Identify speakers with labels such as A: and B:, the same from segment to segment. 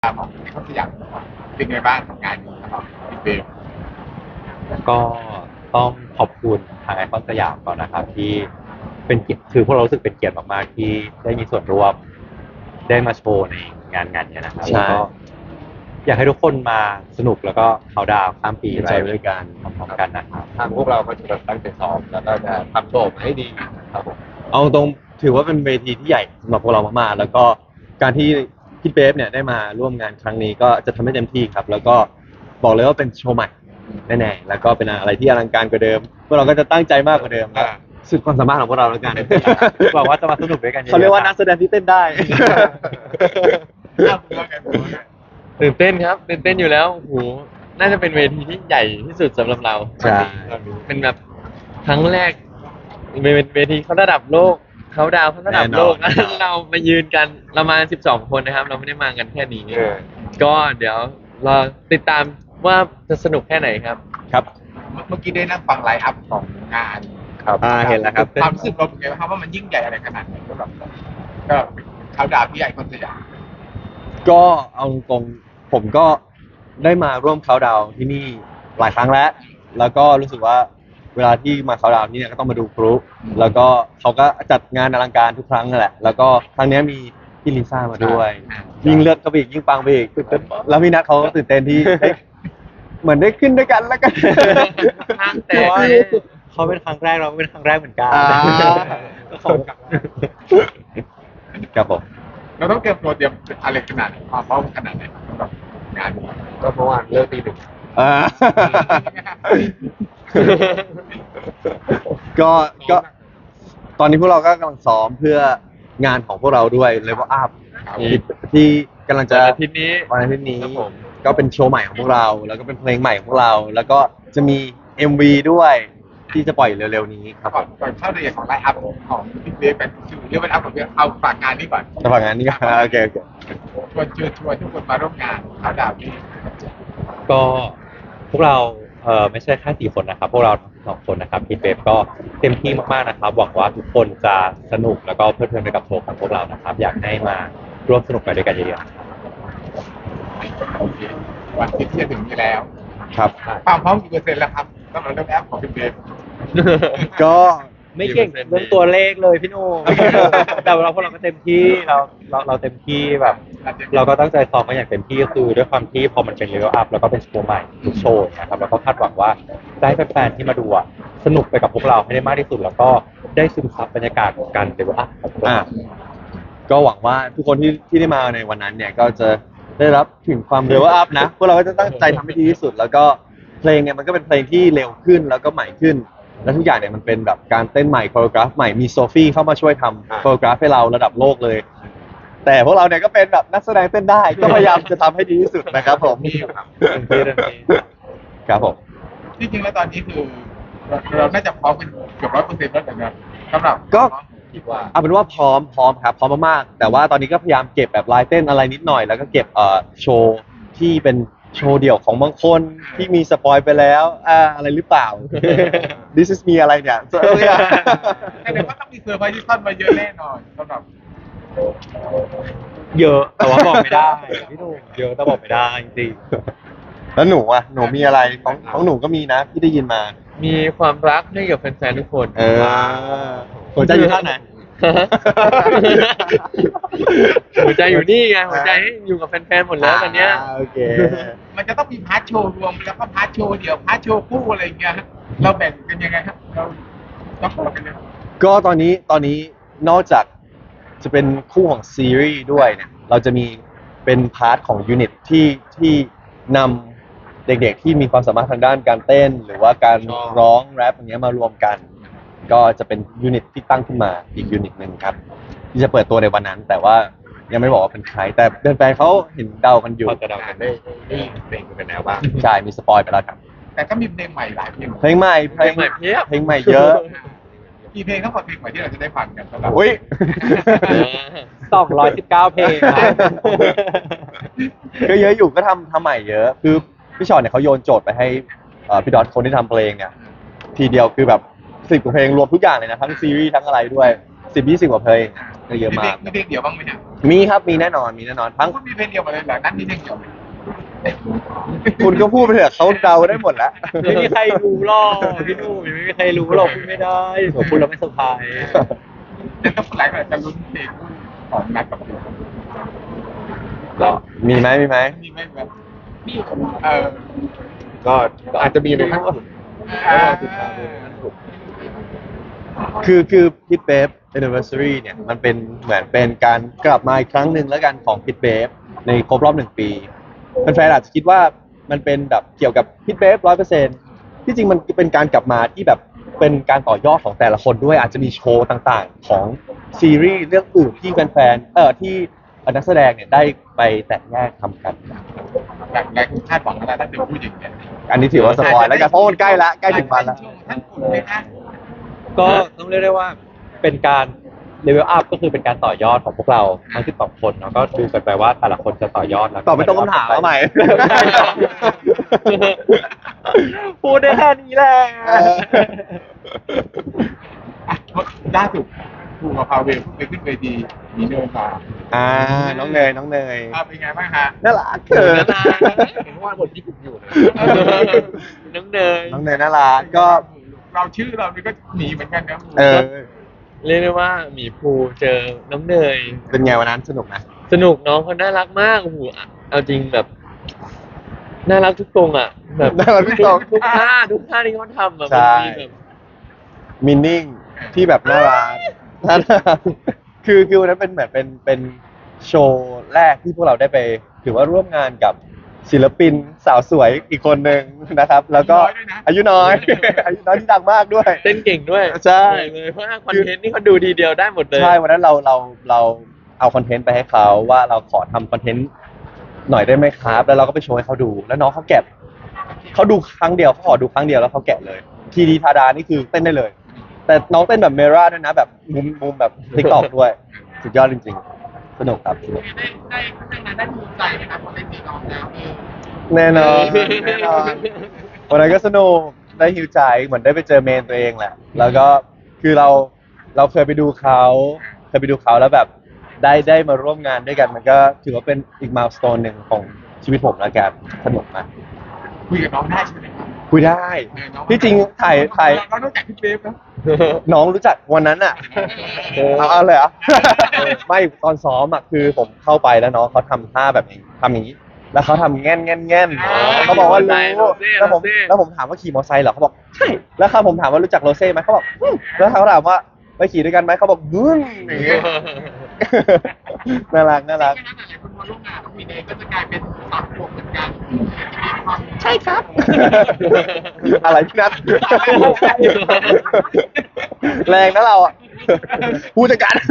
A: ของเขาสยามเป็นไงบ้างของงานนี้ครับพี่เบล
B: ก็ต้องขอบคุณทางไอคอนสยามก่อนนะครับที่เป็นเกียรติคือพวกเรารู้สึกเป็นเกียรติมากๆที่ได้มีส่วนร่วมได้มาโชว์ในงานเนี้ยนะครับแล้วก็อยากให้ทุกคนมาสนุกแล้วก็เขาน์ดาวน์ข้ามปีไปด้วยกันพร้อมๆกันนะครับ
C: ทางพวกเราก็จะแบบตั้งใจซ้อมแล้วก็จะทำโชว์ออกมาให้ดีครับผมเอาตรงถือว่าเป็นเวทีที่ใหญ่สำหรับพวกเรามากๆแล้วก็การที่พี่เบฟเนี่ยได้มาร่วมงานครั้งนี้ก็จะทำให้เต็มที่ครับแล้วก็บอกเลยว่าเป็นโชว์ใหม่แน่ๆแล้วก็เป็นอะไรที่อลังการกว่าเดิมพวกเราก็จะตั้งใจมากกว่าเดิมครับสุดความสามารถของพวกเราแล้วกัน
B: หวังว่าจะมาสนุกด้วยกันเยอะๆ
C: เขาเรียกว่านักแสดงที่เต้นได้
A: อ้าวคุณว่าไงคุณว่าไง
D: ตื่นเต้นครับตื่นเต้นอยู่แล้วโอ้โหน่าจะเป็นเวทีที่ใหญ่ที่สุดสำหรับเรา
C: ใช่
D: เป็นแบบครั้งแรกเป็นเวทีเขาระดับโลกเขาดาวเขาระดับโลก
C: แน่นอน
D: เรามายืนกันเรามา12 คนนะครับ เราไม่ได้มากันแค่นี้
C: เออ
D: ก็เดี๋ยวรอติดตามว่าจะสนุกแค่ไหนครับ
C: ครับ
A: เมื่อกี้ได้นั่งฟังไลฟ์อัพของงาน
C: ครับเห็นแล้วครับ
A: ความรู้สึกเราเป็นไงบ้างครับว่ามันยิ่งใหญ่อะไรขนาดไหนสำหรับเราก็เขาดาวพี่ไอคอนสยาม
C: ก็เอาตรงๆผมก็ได้มาร่วมเขาน์ดาวน์ที่นี่หลายครั้งแล้วก็รู้สึกว่าเวลาที่มาเขาน์ดาวน์ที่เนี่ยก็ต้องมาดูพลุแล้วก็เขาก็จัดงานอลังการทุกครั้งนั่นแหละแล้วก็ครั้งนี้มีพี่ลิซ่ามาด้วยยิ่งเลือกเขาไปอีกยิ่งปังไปอีกตื่นเต้นแล้วพี่นัทเขาก็ตื่นเต้นที่ได้เหมือนได้ขึ้นด้วยกันแล้วกัน
D: ห้างแต
B: เพ
D: ก
B: ราะว่า
D: เลย
B: เขาเป็นครั้งแรกเราก็เป็นครั้งแรกเหมือนกัน
C: อ่า
B: ก็ขอบคุณ
C: ครับผม
A: เราต้องเตรียมตัวเตรียมอะไรขนาดไหนความพร้อมขนาดไหนสำหรับงานนี้
C: ก็เมื่อวานเลิกตี 1ก็ตอนนี้พวกเราก็กำลังซ้อมเพื่องานของพวกเราด้วย Level Up ที่กำลังจะ
D: วันอาทิตย์นี้
C: วันอาทิตย์นี้
D: ครับผม
C: ก็เป็นโชว์ใหม่ของพวกเรา แล้วก็เป็นเพลงใหม่ของพวกเรา แล้วก็จะมี MV ด้วยที่จะปล่อยเร็วๆนี้ครับ
A: ก่อนเข้ารายละเอียดของไลฟ์อัพของพี่เบลเป็นชื่อเรียกว่าอัพของพี่เอาฝากงานนี้ก่อน
C: ระหว่างงานนี้ก็โอเค
A: ชวนทุกคนมาร่วมงานเขาดาวที่
B: ก็พวกเราไม่ใช่แค่4 คนนะครับ พวกเราทั้ง2 คนนะครับพี่เป๊ปก็เต็มที่มากๆนะครับหวังว่าทุกคนจะสนุกแล้วก็เพลิดเพลินไปกับโชว์ของพวกเรานะครับ อยากให้มาร่วมสนุกไปด้วยกันเยอะๆ
A: โอเควันอาทิตย์ที่จะถึงนี้แล้ว
C: ครับ
A: ความพร้อมกี่เปอร์เซ็นต์แล้วครับสำหรับเรื่องแอปของพี่เบล
C: ก็
B: ไม่เก่งเรื่องตัวเลขเลยพี่หนุ่ม แต่เราพวกเราก็เต็มที่เราเต็มที่แบบ เราก็ตั้งใจซ้อมมาอย่างเต็มที่ก็คือด้วยความที่พอมันเป็นเลเวลอัพแล้วก็เป็นโชว์ใหม่ทุกโชว์นะครับแล้วก็คาดหวังว่าจะให้แฟนๆที่มาดูอะสนุกไปกับพวกเราให้ได้มากที่สุด แล้วก็ได้ซึมซับบรรยากาศของการเลเวลอัพของพวก
C: อ่า
B: เรา
C: ก็หวังว่าทุกคนที่ได้มาในวันนั้นเนี่ยก็จะได้รับถึงความเร็วอัพนะพวกเราก็จะตั้งใจทำให้ดีที่สุด แล้วก็เพลงเนี่ยมันก็เป็นเพลงที่เร็วขึ้นแล้วก็ใหม่ขึ้น และทุกอย่างเนี่ยมันเป็นแบบการเต้นใหม่โคโรกราฟใหม่มีโซฟี่เข้ามาช่วยทำโคโรกราฟให้เราระดับโลกเลย แต่พวกเราเนี่ยก็เป็นแบบนักแสดงเต้นได้ก็พยายามจะทำให้ดีที่สุดนะครับผม
A: นี่ครับ
B: เต็มที่
C: ครับผม
A: ที่จริงแล้วตอนนี้คือเราน่าจะพร้อมกันเกือบ100%แล้วแต่นะสำหรับ
C: ก็
A: คิดว่า
C: เอาเป็นว่าพร้อมครับพร้อมมากๆแต่ว่าตอนนี้ก็พยายามเก็บแบบลายเต้นอะไรนิดหน่อยแล้วก็เก็บโชว์ที่เป็นโชว์เดี่ยวของบางคนที่มีสปอยไปแล้วอะไรหรือเปล่า This is me อะไรเนี่ย
A: แต่ว่าต้องมีเซอร์ไพรส์ที่ซ่อนมาเยอะแน่นอนสำหรับ
B: เยอะแต่ว่าบอกไม่ได้พี่หนุ่มเยอะแต่บอกไม่ได้จริง
C: แล้วหนูอ่ะหนูมีอะไรของหนูก็มีนะที่ได้ยินมา
D: มีความรักให้กับแฟนๆทุกคน
C: หัวใจอยู่ท่างไหน
D: หัวใจอยู่นี่ไงหัวใจอยู่กับแฟนๆหมดแล้วตอนเนี้ย
C: โอเค
A: มันจะต้องมีพาร์ทโชว์รวมแล้วก็พาร์ทโชว์เดี่ยวพาร์ทโชว์คู่อะไรอย่างเงี้ยฮะเราแบ่งกันยังไงครับเราต้องบอกกันเลย
C: ก็ตอนนี้นอกจากจะเป็นคู่ของซีรีส์ด้วยเนี่ยเราจะมีเป็นพาร์ทของยูนิตที่นำเด็กๆที่มีความสามารถทางด้านการเต้น หรือว่าการร้องแรปอย่างเงี้ยมารวมกัน ก็จะเป็นยูนิตที่ตั้งขึ้นมาอีกยูนิตหนึ่งครับ ที่จะเปิดตัวในวันนั้น แต่ว่ายังไม่บอกว่าเป็นใคร แต่แฟนๆเขาเห็นเดากันอยู่
B: พอจะเดากันได้
A: ได้เพลงกันแล้วบ้าง
C: ใช่มีสปอยไปแล้วครับ
A: แต่ก็มีเพลงใหม่หลายเพลง
C: เพลงใหม่
D: เพลงใหม่เพียบ
C: เพลงใหม่เยอะ
A: กี่เพลงทั้งหมดเพลงใหม่ที่เราจะได้ฟังกันสำหรับ
C: อุ้ย
B: 219 เพลงครับ
C: ก็เยอะอยู่ก็ทำใหม่เยอะ คือพี่ชอตเนี่ยเขาโยนโจทย์ไปให้พี่ดอทคนที่ทำเพลงเนี่ยทีเดียวคือแบบ10 กว่าเพลงรวมทุกอย่างเลยนะทั้งซีรีส์ทั้งอะไรด้วย 10-20กว่าเพลงก็เยอะมาก
A: มีเพลงเดียวบ้างไหมฮะ
C: มีครับมีแน่นอนทั้ง
A: คุณมีเพลงเดียวมาเลยเหรอนั่นมีเพลงเดียวไหม
C: คุณก็พูดไปเถอะเขาเดาได้หมดแล้ว
B: ไม่มีใครรู้หรอกพี่หนุ่มไม่มีใครรู้หรอกพูดไม่ได้เดี๋ยวพูดแล้วไม่เซอร์ไพรส์
A: จะต้องหลายแบบจะลุ้นเพลงของนัดกับคุณ
C: ก็มีไหม
A: มีไหมแบบมีอ
D: ก็อาจจะมีในขั้นสุดแล้วเราติดตามดูในขั้นสุด
C: คือพิทเบฟ anniversary เนี่ยมันเป็นเหมือนเป็นการกลับมาอีกครั้งหนึ่งแล้วกันของพิทเบฟในครบรอบ1 ปีแฟนๆอาจจะคิดว่ามันเป็นแบบเกี่ยวกับพิทเบฟ100%ที่จริงมันเป็นการกลับมาที่แบบเป็นการต่อยอดของแต่ละคนด้วยอาจจะมีโชว์ต่างๆของซีรีส์เรื่องอื่นที่แฟนๆที่นักแสดงเนี่ยได้ไปแตกแยกทำกัน
A: แบบแรกคาดหวังอะไรถ้าเดี๋ยวพูดอย่างเงี้ย
C: อันนี้ถือว่าสปอยแล้วกันเพราะมันใกล้ถึงวันแล้ว
A: ท่านคุณไหมคะ
B: ก็ต้องเรียกได้ว่าเป็นการเลเวลอัพก็คือเป็นการต่อยอดของพวกเราทั้ง12 คนเนาะก็ดูกันไปว่าแต่ละคนจะต่อยอดแล้ว
C: ตอบไม่ตรงคำถามเอาใหม่
B: พูดได้แค่นี้แหละ
A: ล่าสุดครูกับพาเวลเพิ่งไปขึ้นเวทีมีเนินมา
C: น้องเนย
A: เป็นไงบ้างฮะ
C: น่ารักเกิน
D: เห็นว่าบทญี่ปุ่นอยู่นะ
B: น้องเนย
C: น้องเนยน่ารักก็
A: เราชื่อเรานี่ก็หนีเหมือนกันนะ
C: เออ
D: เรียกได้ว่าหมีภูเจอน้องเนย
C: เป็นไงวันนั้นสนุกนะ
D: สนุกน้องเขาน่ารักมากโอ้โหเอาจริงแบบน่ารักทุกตรงอ่ะแบบ
C: น่ารักทุกตรง
D: ทุกท่าที่เขาทำอ่ะ
C: ใช่
D: มันมีแบบ
C: มินนิ่งที่แบบน่ารักน่ารักคือวันนั้นเป็นเหมือนเป็นโชว์แรกที่พวกเราได้ไปถือว่าร่วมงานกับศิลปินสาวสวยอีกคนหนึ่งนะครับ แล้วก็อายุน้อย อายุน้อยที่ดังมากด้วย
D: เต้นเก่งด้วย
C: ใช่
D: บอกเลยเพราะว่าคอนเทนต์นี่เขาดูทีเดียวได้หมดเลย
C: ใช่วันนั้นเราเอาคอนเทนต์ไปให้เขาว่าเราขอทำคอนเทนต์หน่อยได้ไหมครับแล้วเราก็ไปโชว์ให้เขาดูแล้วน้องเขาแกะเขาดูครั้งเดียวเขาขอดูครั้งเดียวแล้วเขาแกะเลยทีดีทาดานี่คือเต้นได้เลย แต่น้องเต้นแบบเมราด้วยนะแบบมุมแบบติ๊กตอกด้วยสุดยอดจริงๆสนุกครับสนุก
A: ได้ภูมิใจไหมครับพอได้สีน้องแล้ว
C: แน่นอนแน่นอนวันนั้นก็สนุกได้ฮิวใจเหมือนได้ไปเจอเมนตัวเองแหละ แล้วก็คือเราเคยไปดูเขาแล้วแบบได้มาร่วมงานด้วยกัน มันก็ถือว่าเป็นอีกมายสโตนหนึ่งของชีวิตผมแล้วกันสนุกมาก
A: คุยกับน้องได้ใช่ไหมครับ
C: คุยได้ที่จริงถ่าย
A: เราต้องจากพี่เบฟนะ
C: น้องรู้จักวันนั้นอ่ะเอาเลยเหรอ ไม่ตอนซ้อมอ่ะคือผมเข้าไปแล้วน้องเขาทำท่าแบบนี้ทำอย่างนี้ แล้วเขาทำแง่นเขาบอกว่ารู้แล้วผมถามว่าขี่มอเตอร์ไซค์เหรอเขาบอกใช่แล้วครับผมถามว่ารู้จักโรเซ่ไหมเขาบอกแล้วเขาถามว่าไปขี่ด้วยกันไหมเขาบอกอย่างเงี้ย น่ารัก
A: หลายคนมาร่วมงานกับพี่เนยก็จะกลายเป็นสามขวบเหมือนกันใช่ครับ
C: อะไรพี่นัท แรงนะเราอ่ะผู้จัดการ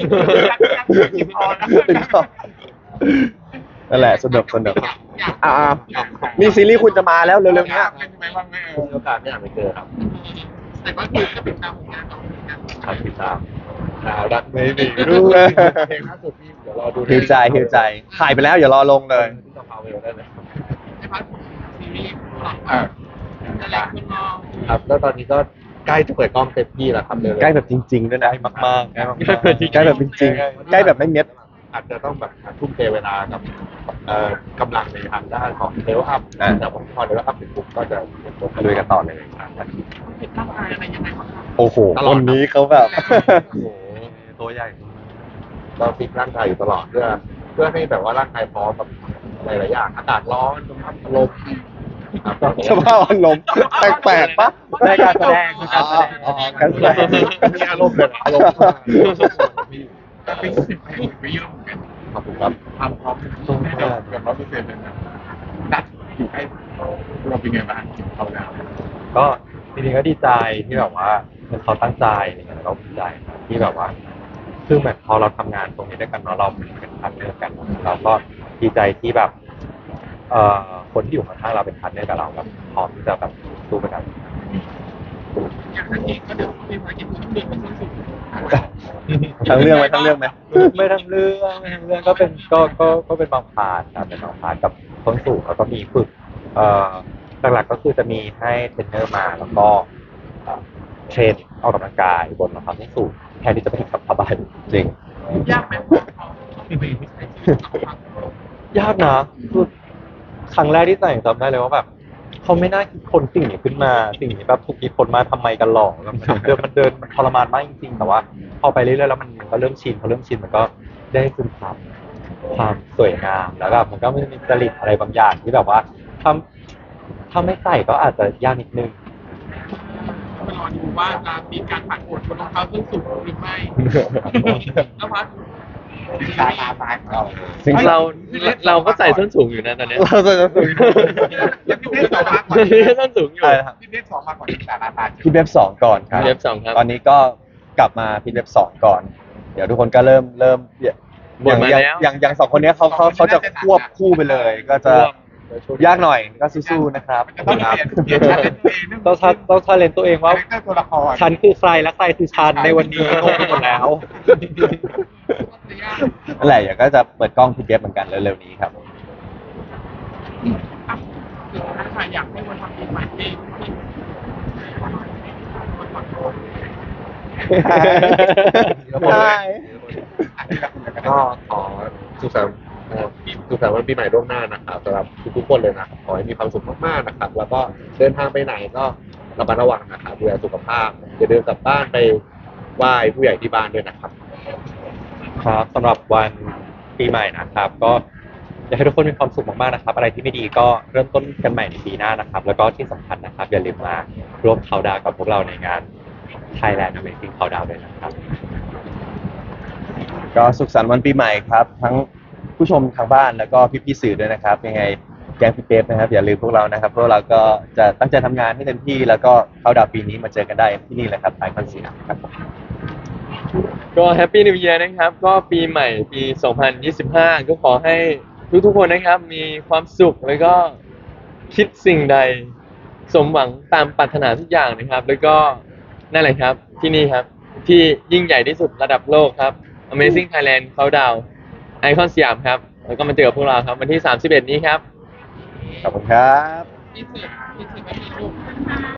C: นั่นแหละสนุกมีซีรีส์คุณจะมาแล้วเร็วๆเนี้ย
A: เป็นไงบ้างไหม
D: มีโอกาสไม่อยากไปเจอครับ
A: แต่ก็คือก็เป็นตามผลงานของงาน
D: ครับติดตามรักไม่มีรู้เพลงล่าสุดพี่เดี๋ยวรอดู
C: ฮิวใจถ่ายไปแล้วอย่ารอลงเลย
D: ที่ต้องพาเวลได้เลย
A: ในพาร์ทของซีรีส์จะแลกคุณมอง
D: ครับแล้วตอนนี้ก็ใกล้จะเปิดกล้องเต็มที่แล้วครับเร็วๆ
C: ใกล้แบบจริง ๆ ด้วยนะ
B: มากๆ
C: ใกล้แบบจริงๆใกล้แบบไม่เม็ด
D: อาจจะต้องแบบทุ่มเทเวลากับกำลังในทางด้านของเลเวลอัพแต่พอเลเวลอัพถึงปุ๊บก็จะ
C: ลุยกันต่อเลย
A: ผิดร่างกายอะไรยังไงบ้างครับ
C: โอ้โหคนนี้เขาแบบ
D: โอ้โห
B: ตัวใหญ่
D: เราฟิตร่างกายอยู่ตลอดเพื่อให้แบบว่าร่างกายพร้อมกับหลายๆอย่างอากาศร้อนสภาพอารมณ์ครับ
C: สภาพอารมณ์แปลกๆปะ
B: ในการแสดงคือการแสดง
C: การแสดง
D: มีอารมณ์เลยอารมณ์
A: แต่เป็นสิ่งที่ไปเยอะเหมือนกัน
D: ขอบคุณครับ
A: ความพร้อมให้เราเกือบ100%เลยนะนัดอยู่ให้เราเป็นไงบ้างถึงเขาแล้ว
B: ก็จริงๆก็ดีใจที่แบบว่าเขาตั้งใจอะไรเงี้ยแล้วก็ดีใจที่แบบว่าคือเหมือนพอเราทำงานตรงนี้ด้วยกันเนาะเราเป็นพาร์ทเนอร์กันเราก็ดีใจที่แบบคนที่อยู่ข้างๆเราเป็นพาร์ทเนอร์กับเราแบบพร้อมที่จะแบบสู้ไปกัน
A: อย่างนั้นเองก็เดี๋ยวมีภารกิจทุกเดือนเป็นสิ้นสุด
C: ทั้งเรื่องไหมทั้งเรื่องไหม
B: ไม่ทั้งเรื่องก็เป็นก็เป็นบางพาร์ทครับเป็นบางพาร์ทกับต้นสูงแล้วก็มีฝึกหลักๆก็คือจะมีให้เทรนเนอร์มาแล้วก็เทรนออกกำลังกายบนรองเท้าส้นสูงแทนที่จะไปกับผ้าใบ
C: จริง
A: ยากไหมพอต้องไปใช้ชีวิตกับครั้ง
B: ยากนะคือครั้งแรกที่ใส่จำได้เลยว่าแบบเขาไม่น่าคิดคนสิ่งนี้ขึ้นมาสิ่งนี้แบบถูกคิดคนมาทำไมกันหรอกแบบมันทรมานมากจริงๆแต่ว่าพอไปเรื่อยๆแล้วมันก็เริ่มชินพอเริ่มชินมันก็ได้ซึมซับความสวยงามแล้วแบบมันก็มีจริตอะไรบางอย่างที่แบบว่าถ้าไม่ใส่ก็อาจจะยากนิดนึง
A: มารอดูว่าจะมีการผ่านโหวตบนรองเท้าส้นสูงหรือไม่แล้วพัดตายของเรา
C: ซึ่ง
E: เราก็ใส่ส้นสูงอยู่นะตอนเนี้ย
C: เราจะคุย
A: ยังพี่เบฟสองมาก่อน
E: ส้นสูงอยู่
C: อะไรนะครับ
A: พี่เบฟสองมาก่อนที่สาราตา
C: พี่เว็บ2ก่อนครับ
E: พี่เว็บ2ครับ
C: ตอนนี้ก็กลับมาพี่เว็บ2ก่อน เดี๋ยวทุกคนก็เริ่ม
E: บ่นมาแล้ว
C: อย่างสองคนเนี้ยเขาจะควบคู่ไปเลย ก็จะยากหน่อยก็สู้ๆนะครับ
A: ต้องเปลี่ยนชาเลนจ์ตัวเอง
B: ต้องชาเลนตัวเองว่า
A: คาแรคเตอร์ตัวละคร
B: ฉันคือใครและใครคือฉันในวันนี้งงไปหมดแล้ว
C: นั่นแหละเดี๋ยวก็จะเปิดกล้องพี่เว็บเหมือนกันเร็วๆนี้ครับ
A: สุดท้ายค่ะอยากให้วันทำปีใหม่ที่คนขอโทษ
C: ใช่
D: ก็ขอสุขสันต์สุขสันต์วันปีใหม่ล่วงหน้านะครับสำหรับทุกๆคนเลยนะครับขอให้มีความสุขมากๆนะครับ แล้วก็เดินทางไปไหนก็ระมัดระวังนะครับดูแลสุขภาพอย่าลืมกลับบ้านไปไหว้ผู้ใหญ่ที่บ้านด้วยนะครับ
B: ครับสำหรับวันปีใหม่นะครับ ก็อยากให้ทุกคนมีความสุขมากๆนะครับ อะไรที่ไม่ดีก็เริ่มต้นกันใหม่ในปีหน้านะครับ แล้วก็ที่สำคัญนะครับ อย่าลืมมาร่วมเขาน์ดาวน์กับพวกเราในงาน Thailand Amazing Countdown ด้วยนะครับ
C: ก็สุขสันต์วันปีใหม่ครับ ทั้งผู้ชมทางบ้านแล้วก็พี่ๆสื่อด้วยนะครับยังไงแกงพี่เป๊ปนะครับอย่าลืมพวกเรานะครับพวกเราก็จะตั้งใจทำงานให้เต็มที่แล้วก็เข้าดาวน์ปีนี้มาเจอกันได้ที่นี่เลยครับไอคอนสยามครับผม
E: ก็แฮปปี้นิว e ย r นะครับ ก็ปีใหม่ปี 2025 ก็ขอให้ทุกๆคนนะครับ มีความสุขแล้วก็คิดสิ่งใด สมหวังตามปรารถนาทุกอย่างนะครับ แล้วก็นั่นแหละครับที่นี่ครับ ที่ยิ่งใหญ่ที่สุดระดับโลกครับ Amazing Thailand Countdown ไอคอนสยามครับ แล้วก็มาเจอกับพวกเราครับวันที่ 31 นี้ครับ
C: ขอบคุณครับ
A: ที่สุดไม่มีลูก